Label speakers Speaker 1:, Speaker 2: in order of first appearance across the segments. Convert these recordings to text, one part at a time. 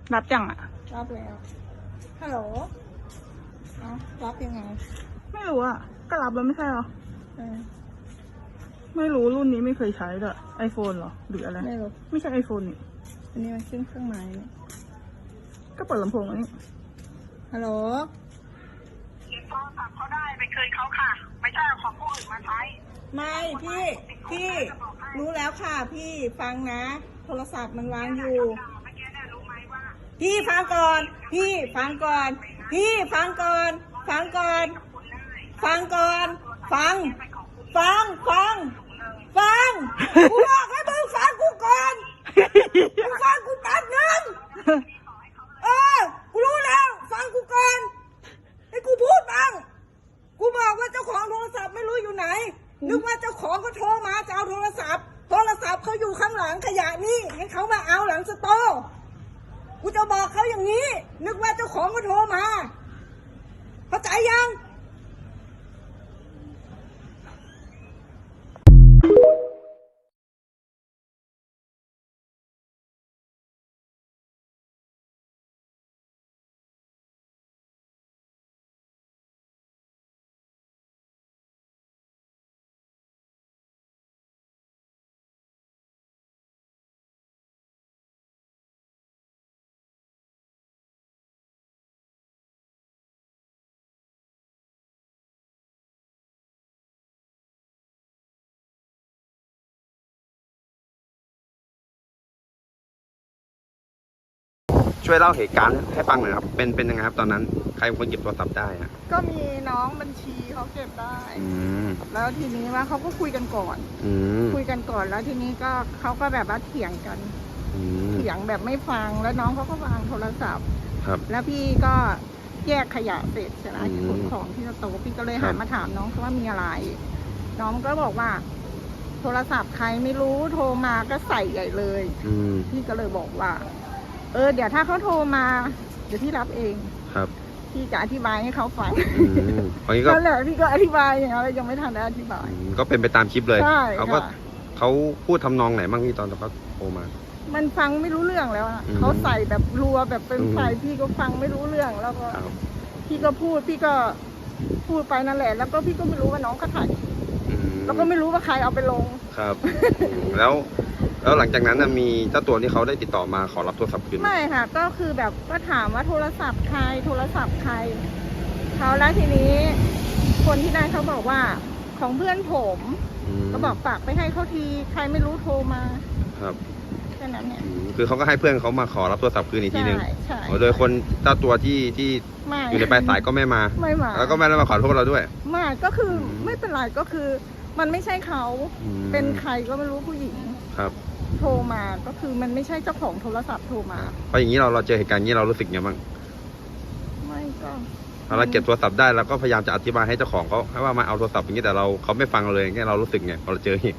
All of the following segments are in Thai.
Speaker 1: รับจังอ่ะ
Speaker 2: รับแล้วฮัลโหลรับยังไง
Speaker 1: ไม่รู้อ่ะก็รับแล้วไม่ใช่หรอไม่รู้รุ่นนี้ไม่เคยใช้ด้วยไอโฟนหรอหรืออะไร
Speaker 2: ไม่รู้
Speaker 1: ไม่ใช่ไอโฟนนี่
Speaker 2: อันนี้มันขึ้นเครื่องหมาย
Speaker 1: ก็เปิดลำโพงอันนี้
Speaker 2: ฮัลโหล
Speaker 3: เก็บโทรศัพท์เขาได้ไปคืนเขาค่ะไม่ใช่เอาของผู้อื่นมาใช้
Speaker 2: ไม่พี่รู้แล้วค่ะพี่ฟังนะโทรศัพท์มันวางอยู่พี่ฟังก่อนพี่ฟังก่อนพี่ฟังก่อนฟังก่อนฟังก่อนฟังกูบอกให้มึงฟังกูก่อนมึงฟังกูแป๊บนึงกูรู้แล้วฟังกูก่อนให้กูพูดบ้างกูบอกว่าเจ้าของโทรศัพท์ไม่รู้อยู่ไหนนึกว่าเจ้าของก็โทรมาจะเอาโทรศัพท์เขาอยู่ข้างหลังขยะนี่ให้เขามาเอาหลังสโตร์กูจะบอกเขาอย่างนี้นึกว่าเจ้าของก็โทรมาเข้าใจยัง
Speaker 4: ช่วยเล่าเหตุการณ์ให้ฟังหน่อยครับเป็นยังไงครับตอนนั้นใครเป็นคนเก็บโทรศัพท์ได้ฮะ
Speaker 2: ก็มีน้องบัญชีเขาเก็บได้แล้วทีนี้ว่าเขาก็คุยกันก่อนแล้วทีนี้ก็เขาก็แบบว่าเถียงกันเถียงแบบไม่ฟังแล้วน้องเขาก็วางโทรศัพท์แล้วพี่ก็แยกขยะเสร็จใช่ไหมขนของที่โต๊ะพี่ก็เลยหันมาถามน้องเขาว่ามีอะไรน้องก็บอกว่าโทรศัพท์ใครไม่รู้โทรมาก็ใส่ใหญ่เลยพี่ก็เลยบอกว่าเดี๋ยวถ้าเขาโทรมาเดี๋ยวพี่รับเอง
Speaker 4: ครับ
Speaker 2: พี่จะอธิบายให้เขาฟัง
Speaker 4: ก็
Speaker 2: แหละพี่ก็อธิบายอย่างนั้นยังไม่ทันได้อธิบาย
Speaker 4: ก็เป็นไปตามคลิปเลยเขาพูดทำนองไหนบ้างพี่ตอนเขาโทรมา
Speaker 2: มันฟังไม่รู้เรื่องแล้วเขาใส่แบบรัวแบบเป็นไฟพี่ก็ฟังไม่รู้เรื่องแล้วก็พี่ก็พูดไปนั่นแหละแล้วก็พี่ก็ไม่รู้ว่าน้องเขาถ่ายแล้วก็ไม่รู้ว่าใครเอาไปลง
Speaker 4: ครับแล้วหลังจากนั้นมีเจ้าตัวที่เขาได้ติดต่อมาขอรับโทรศัพท์คืน
Speaker 2: ไม่ค่ะก็คือแบบก็ถามว่าโทรศัพท์ใครเขาแล้วทีนี้คนที่ได้เขาบอกว่าของเพื่อนผมก็บอกฝากไปให้เขาทีใครไม่รู้โทรมา
Speaker 4: ครับ
Speaker 2: แค่นั้นเนี่ย
Speaker 4: คือเขาก็ให้เพื่อนเขามาขอรับโทรศัพท์คืนอีกทีนึง
Speaker 2: ใช่
Speaker 4: โดยคนเจ้าตัวที่อยู่ในปลายสายก็ไม่มาแล้วก็ไม่ได้มาขอโทษเราด้วย
Speaker 2: ไม่ก็คือไม่เป็นไรก็คือมันไม่ใช่เขาเป็นใครก็ไม่รู้ผู้หญิง
Speaker 4: ครับ
Speaker 2: โทรมาก็คือมันไม่ใช่เจ้าของโทรศัพท์โทรมา
Speaker 4: เพราะอย่างนี้เราเจอเหตุการณ์นี้เรารู้สึกยังไงบ้าง
Speaker 2: ไม่ก็
Speaker 4: เราเก็บโทรศัพท์ได้แล้วก็พยายามจะอธิบายให้เจ้าของเขาให้ว่ามาเอาโทรศัพท์อย่างนี้แต่เขาไม่ฟังเราเลยอย่างนี้เรารู้สึกไงพอเราเจอเหตุ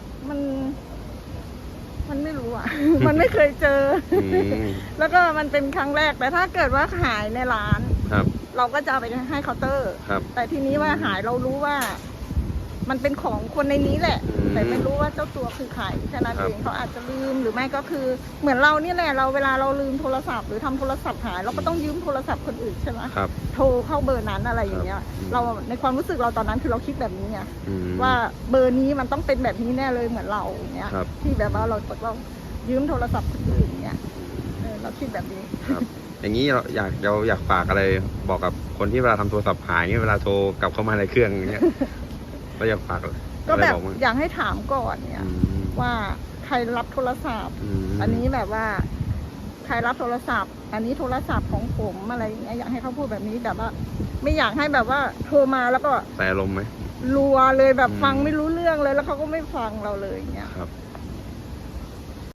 Speaker 2: มันไม่รู้อ่ะ มันไม่เคยเจอแล้วก็มันเป็นครั้งแรกแต่ถ้าเกิดว่าหายในร้านเราก็จะเอาไปให้เคาน์เตอร์แต่ทีนี้ว่าหายเรารู้ว่ามันเป็นของคนในนี้แหละแต่ไม่รู้ว่าเจ้าตัวคือใครแค่นั้นเองเขาอาจจะลืมหรือไม่ก็คือเหมือนเรานี่แหละเวลาเราลืมโทรศัพท์หรือทำโทรศัพท์หายเราก็ต้องยืมโทรศัพท์คนอื่นใช่ไหมโทรเข้าเบอร์นั้นอะไรอย่างเงี้ยเราในความรู้สึกเราตอนนั้นคือเราคิดแบบนี้ไงว่าเบอร์นี้มันต้องเป็นแบบนี้แน่เลยเหมือนเราอย่างเงี้ยที่แบบว่าเรายืมโทรศัพท์คนอื่นอย่างเงี้ยเราคิดแบบนี้
Speaker 4: อย่างนี้เราอยากฝากอะไรบอกกับคนที่เวลาทำโทรศัพท์หายเวลาโทรกลับเข้ามาในเครื่องอย่างเงี้ยเราอยากฝาก
Speaker 2: ก็แบบอยากให้ถามก่อนเนี่ยว่าใครรับโทรศัพท์อันนี้แบบว่าใครรับโทรศัพท์อันนี้โทรศัพท์ของผมอะไรอย่างเงี้ยอยากให้เขาพูดแบบนี้แบบว่าไม่อยากให้แบบว่าโทรมาแล้วก็
Speaker 4: ใส่อารมณ์ไหม
Speaker 2: รัวเลยแบบฟังไม่รู้เรื่องเลยแล้วเขาก็ไม่ฟังเราเลยอย่างเงี้ย
Speaker 4: ครับ